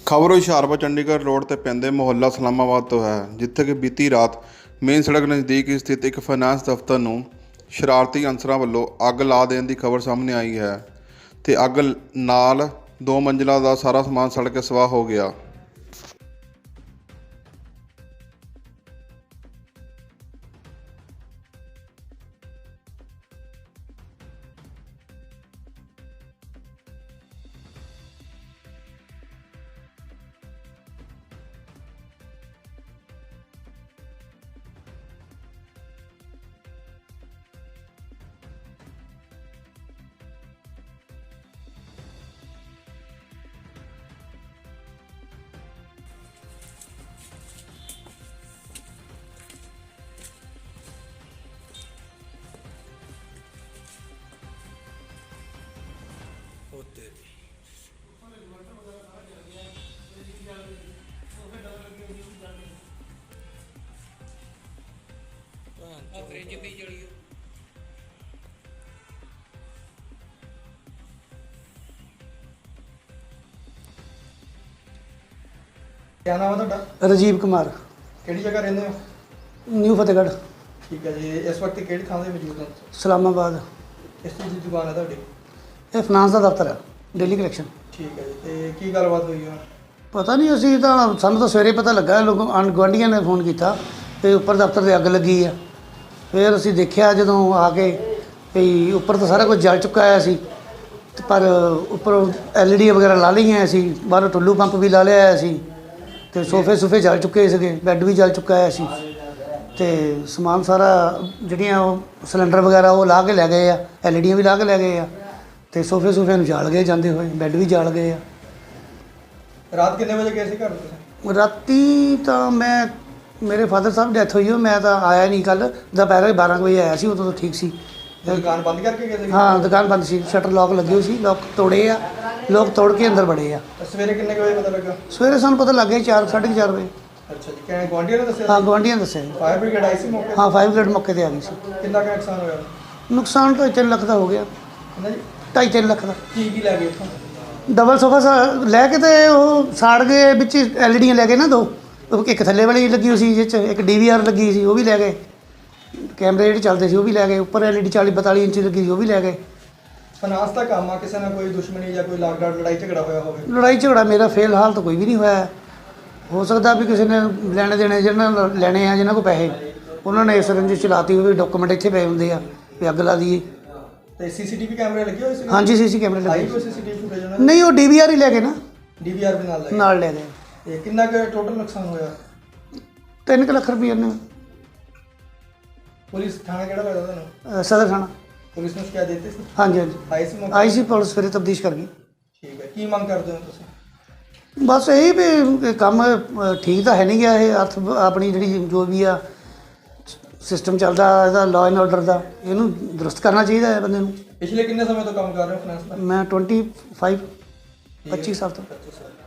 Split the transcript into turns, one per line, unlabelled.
ਖਬਰ ਹੁਸ਼ਿਆਰਪੁਰ ਚੰਡੀਗੜ੍ਹ ਰੋਡ ਤੇ ਪੈਂਦੇ ਮੁਹੱਲਾ ਇਸਲਾਮਾਬਾਦ ਤੋਂ ਹੈ, ਜਿੱਥੇ ਕਿ ਬੀਤੀ ਰਾਤ ਮੇਨ ਸੜਕ ਨਜ਼ਦੀਕ ਸਥਿਤ ਇੱਕ ਫਾਈਨਾਂਸ ਦਫ਼ਤਰ ਨੂੰ ਸ਼ਰਾਰਤੀ ਅਨਸਰਾਂ ਵੱਲੋਂ ਅੱਗ ਲਾ ਦੇਣ ਦੀ ਖਬਰ ਸਾਹਮਣੇ ਆਈ ਹੈ ਤੇ ਅੱਗ ਨਾਲ 2 ਮੰਜ਼ਿਲਾਂ ਦਾ ਸਾਰਾ ਸਮਾਨ ਸੜ ਕੇ ਸਵਾਹ ਹੋ ਗਿਆ।
फ्रिज भी जली
क्या नाम है ਤੁਹਾਡਾ?
ਰਾਜੀਵ ਕੁਮਾਰ,
ਕਿਹੜੀ ਜਗ੍ਹਾ ਰਹਿੰਦੇ ਹੋ?
ਨਿਊ ਫਤਿਹਗੜ੍ਹ,
ਠੀਕ ਹੈ ਜੀ। ਇਸ ਵਕਤ ਕਿਹੜੀ ਥਾਂ ਤੇ ਮੌਜੂਦ ਹੋ?
ਇਸਲਾਮਾਬਾਦ।
ਕਿਸ ਚੀਜ਼ ਦੀ ਦੁਕਾਨ ਹੈ ਤੁਹਾਡੀ?
ਇਹ ਫਾਈਨਾਂਸ ਦਾ ਦਫ਼ਤਰ ਹੈ, ਡੇਲੀ ਕਲੈਕਸ਼ਨ।
ਠੀਕ ਹੈ ਜੀ। ਤੇ ਕੀ ਗੱਲਬਾਤ ਹੋਈ ਹੈ?
ਪਤਾ ਨਹੀਂ, ਅਸੀਂ ਤਾਂ ਸਾਨੂੰ ਤਾਂ ਸਵੇਰੇ ਪਤਾ ਲੱਗਾ, ਲੋਕ ਗੁਆਂਢੀਆਂ ਨੇ ਫੋਨ ਕੀਤਾ ਤੇ ਉੱਪਰ ਦਫ਼ਤਰ ਤੇ ਅੱਗ ਲੱਗੀ ਆ। ਫਿਰ ਅਸੀਂ ਦੇਖਿਆ ਜਦੋਂ ਆ ਕੇ ਵੀ ਉੱਪਰ ਤਾਂ ਸਾਰਾ ਕੁਝ ਜਲ ਚੁੱਕਾ ਹੋਇਆ ਸੀ, ਪਰ ਉੱਪਰ LED ਵਗੈਰਾ ਲਾ ਲਈਆਂ ਸੀ, ਬਾਹਰੋਂ ਟੁੱਲੂ ਪੰਪ ਵੀ ਲਾ ਲਿਆ ਸੀ ਤੇ ਸੋਫੇ ਜਲ ਚੁੱਕੇ ਸੀਗੇ, ਬੈੱਡ ਵੀ ਜਲ ਚੁੱਕਾ ਹੋਇਆ ਸੀ ਤੇ ਸਮਾਨ ਸਾਰਾ ਜਿਹੜੀਆਂ ਉਹ ਸਿਲੰਡਰ ਵਗੈਰਾ ਉਹ ਲਾ ਕੇ ਲੈ ਗਏ ਆ, LEDਆਂ ਵੀ ਲਾ ਕੇ ਲੈ ਗਏ ਆ ਤੇ ਸੋਫੇ ਨੂੰ ਜਾਲ ਗਏ ਜਾਂਦੇ ਹੋਏ, ਬੈੱਡ ਵੀ ਜਾਲ ਗਏ ਆ।
ਰਾਤ ਕਿੰਨੇ ਵਜੇ ਗਏ ਸੀ ਘਰ ਤੁਸੀਂ?
ਰਾਤੀ ਤਾਂ ਮੇਰੇ ਫਾਦਰ ਸਾਹਿਬ ਡੈਥ ਹੋਈ, ਮੈਂ ਤਾਂ ਆਇਆ ਨਹੀਂ। ਕੱਲ੍ਹ ਦੁਪਹਿਰ 12 ਵਜੇ ਆਇਆ ਸੀ, ਉਦੋਂ ਤਾਂ ਠੀਕ ਸੀ।
ਦੁਕਾਨ ਬੰਦ ਕਰਕੇ ਗਏ ਸੀ?
ਹਾਂ, ਦੁਕਾਨ ਬੰਦ ਸੀ, ਸ਼ਟਰ ਲੌਕ ਲੱਗੇ ਹੋਏ ਸੀ, ਲੌਕ ਤੋੜੇ ਆ, ਲੋਕ ਤੋੜ ਕੇ ਅੰਦਰ ਵੜੇ ਆ।
ਸਵੇਰੇ ਕਿੰਨੇ ਕੁ ਵਜੇ ਪਤਾ ਲੱਗਾ?
ਸਵੇਰੇ ਸਾਨੂੰ ਪਤਾ ਲੱਗ ਗਿਆ 4:30 ਵਜੇ।
ਅੱਛਾ ਜੀ। ਕਿਹਨੇ ਗੁਆਂਢੀਆਂ ਨੇ ਦੱਸਿਆ?
ਹਾਂ, ਗੁਆਂਢੀਆਂ ਨੇ ਦੱਸਿਆ ਜੀ।
ਫਾਇਰ ਬ੍ਰਿਗੇਡ ਆਈ ਸੀ ਮੌਕੇ ਤੇ?
ਹਾਂ, 5 ਮਿੰਟ ਮੌਕੇ ਤੇ ਆ ਗਈ ਸੀ।
ਕਿੰਨਾ ਕੁ ਨੁਕਸਾਨ ਹੋਇਆ?
ਨੁਕਸਾਨ ਤਾਂ 3 ਲੱਖ ਦਾ ਹੋ ਗਿਆ।
ਕਿੰਨਾ ਜੀ?
2.5-3 ਲੱਖ ਦਾ।
ਕੀ ਲੈ ਗਏ ਇੱਥੋਂ?
ਡਬਲ ਸੋਫਾ ਲੈ ਕੇ ਤੇ ਉਹ ਸਾੜ ਗਏ, ਵਿੱਚ LEDਆਂ ਲੈ ਗਏ ਨਾ 2, ਇੱਕ ਥੱਲੇ ਵਾਲੀ ਲੱਗੀ ਹੋਈ ਸੀ, ਜਿਸ 'ਚ ਇੱਕ DVR ਲੱਗੀ ਸੀ, ਉਹ ਵੀ ਲੈ ਗਏ। ਕੈਮਰੇ ਜਿਹੜੇ ਚੱਲਦੇ ਸੀ ਉਹ ਵੀ ਲੈ ਗਏ। ਉੱਪਰ LED 40-42 ਇੰਚ ਲੱਗੀ ਸੀ, ਉਹ ਵੀ ਲੈ ਗਏ।
ਫਾਈਨਾਂਸ ਦਾ ਕੰਮ ਆ, ਕਿਸੇ ਨਾਲ ਕੋਈ ਦੁਸ਼ਮਣੀ ਜਾਂ ਕੋਈ ਲਾਗਡਾਟ ਲੜਾਈ ਝਗੜਾ ਹੋਇਆ ਹੋਵੇ?
ਲੜਾਈ ਝਗੜਾ ਮੇਰਾ ਫਿਲਹਾਲ ਤਾਂ ਕੋਈ ਵੀ ਨਹੀਂ ਹੋਇਆ। ਹੋ ਸਕਦਾ ਵੀ ਕਿਸੇ ਨੇ ਲੈਣੇ ਦੇਣੇ ਜਿਹਨਾਂ ਨਾਲ ਲੈਣੇ ਆ, ਜਿਹਨਾਂ ਕੋਲ ਪੈਸੇ, ਉਹਨਾਂ ਨੇ ਇਸ ਰੰਜਿਸ਼ ਚਲਾਤੀ ਹੋਵੇ। ਡਾਕੂਮੈਂਟ ਇੱਥੇ ਪਏ ਹੁੰਦੇ ਆ ਵੀ ਅੱਗ ਲਾ ਦਈਏ।
ਤੇ CCTV ਕੈਮਰੇ ਲੱਗੇ ਹੋਏ ਸੀ?
ਹਾਂਜੀ, CC ਕੈਮਰੇ ਲੱਗੇ।
ਕੋਈ CCTV ਫੁਟੇਜ ਉਹਨਾਂ
ਨਹੀਂ, ਉਹ DVR ਹੀ ਲੈ ਗਏ ਨਾ,
DVR ਵੀ ਨਾਲ ਲੈ ਗਏ?
ਨਾਲ ਲੈ ਗਏ।
ਤੇ ਕਿੰਨਾ ਕੁ ਟੋਟਲ ਨੁਕਸਾਨ ਹੋਇਆ?
3 ਲੱਖ ਰੁਪਏ ਨੇ।
ਪੁਲਿਸ ਥਾਣਾ ਕਿਹੜਾ ਲੱਗਦਾ ਤੁਹਾਨੂੰ?
ਸਦਰ ਥਾਣਾ।
ਪੁਲਿਸ ਨੂੰ ਸ਼ਿਕਾਇਤ ਦਿੱਤੀ ਸੀ?
ਹਾਂਜੀ,
ਆਈ ਸੀ ਮੌਕੇ?
ਆਈ ਸੀ ਪੁਲਿਸ, ਫਿਰ ਤਬਦੀਸ਼ ਕਰ ਗਈ।
ਠੀਕ ਹੈ। ਕੀ ਮੰਗ ਕਰਦੇ ਹੋ ਤੁਸੀਂ?
ਬਸ ਇਹੀ ਵੀ ਇਹ ਕੰਮ ਠੀਕ ਤਾਂ ਹੈ ਨਹੀਂ ਗਿਆ। ਇਹ ਆਪਣੀ ਜਿਹੜੀ ਜੋ ਵੀ ਆ ਸਿਸਟਮ ਚੱਲਦਾ ਇਹਦਾ ਲਾਅ ਐਂਡ ਆਰਡਰ ਦਾ, ਇਹਨੂੰ ਦਰੁਸਤ ਕਰਨਾ ਚਾਹੀਦਾ ਹੈ ਬੰਦੇ ਨੂੰ।
ਪਿਛਲੇ ਕਿੰਨੇ ਸਮੇਂ ਤੋਂ ਕੰਮ ਕਰ ਰਹੇ ਹੋ ਫਾਈਨਾਂਸ ਦਾ?
ਮੈਂ 25 ਸਾਲ ਤੋਂ।